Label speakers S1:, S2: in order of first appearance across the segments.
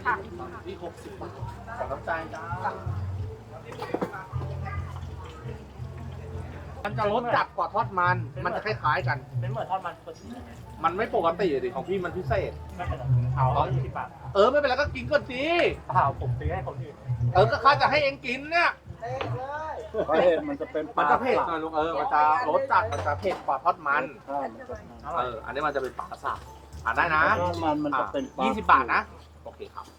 S1: ค่ะ
S2: ที่60 บาทขอน้ำใจจ้ามันจะรสจัดกว่าทอดมัน มันจะคล้ายๆกัน
S3: เป็นเหมือนทอดมันปกติใช่ไหม
S2: มันไม่ปกติดิของพี่มันพิเศษ
S3: ไม่เป็นไรเอา120 บาท
S2: ไม่เป็นไรก็กินก่อนสิ
S3: เปล่าผมซื้อให้คนอื่น
S2: ก็ข้าจะให้เองกินเนี่ย
S4: เพราะเห็ดมันจะเป็น
S2: มันจะเผ็ดหน่อยลุงมันจะรสจัดมันจะเผ็ดกว่าทอดมัน
S4: ใช่มันจะ
S2: อันนี้มันจะเป็นปลาสากได้นะ
S4: ทอดมันจะเป็นปลา
S2: 20 บาทนะ โอเคครับ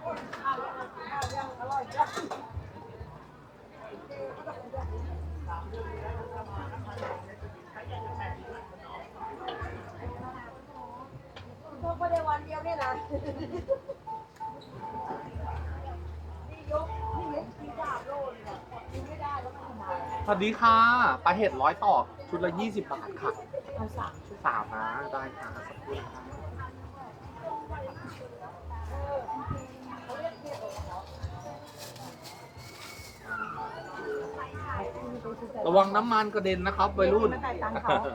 S1: พวกไม่ได้วันเดียวเนี่ยนะนี่ยกที่ดาบโลนเนี่ยกินไม่ได้แล้วมันทำไม
S2: สวัสดีค่ะปลาเห็ด100 ต่อชุดละ 20 บาทค่ะ
S1: เอา3 ชุด
S2: 3นะได้ค่ะสักครู่ค่ะระวังน้ำมันกระเด็นนะครับวัยรุ่น
S1: ไม่จ่ายตังค์เขา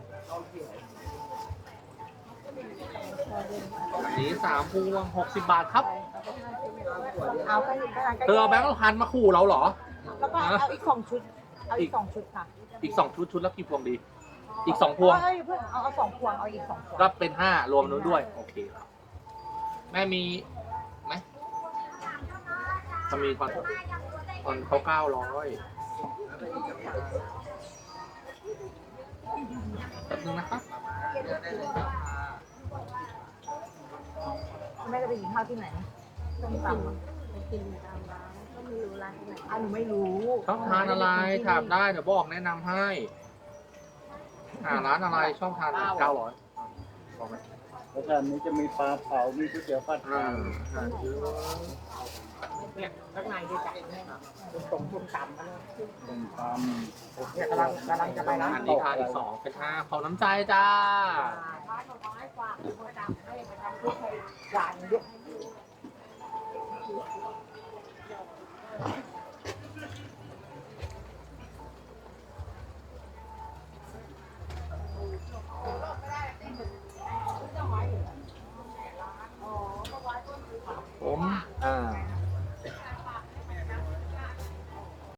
S2: อันนี้3 พวง 60 บาทครับ
S1: เอาไปอีกก็ได้
S2: เธอเอาแบงค์พันมาขู่เราเหรอ
S1: แล้วก็เอาอีก2 ชุด เอาอีก2 ชุดค่ะ
S2: อีก 2 ชุดละกี่พวงดี อีก 2 พวง
S1: เอ้ยเพิ่งเอา2 พวง เอาอีก2 พวง
S2: ก็เป็น 5 รวมนู้นด้วย โอเคครับ แม่มีไหมมันมีตอนเขา900แป๊บนึงนะครับ
S1: แม่จะไปกินข้าวที่ไหนส้มตำอะ
S5: ไปกินตามร้านก็ไม่รู้ร้านที่ไหน
S1: หนูไม่รู้
S2: ชอบทานอะไรถามได้เดี๋ยวบอกแนะนำให้ร้านอะไรชอบทาน900บอกไหม
S4: แล้วทานนี้จะมีปลาเผา มีก๋วยเตี๋ยวผัดไทย
S1: เนี่ยข้างในดีจัดเนี่ยตรงส้มตำมาเลย
S4: ส้มต
S1: เนี่ยกำลังจะไปร้าน
S2: อันนี้ทานอีก 2 เป็น 5 ขอน้ำใจจ้า
S1: ร้านดอกไม้ฝากคนตำให้ไปทำพวกให้หวานเยอะ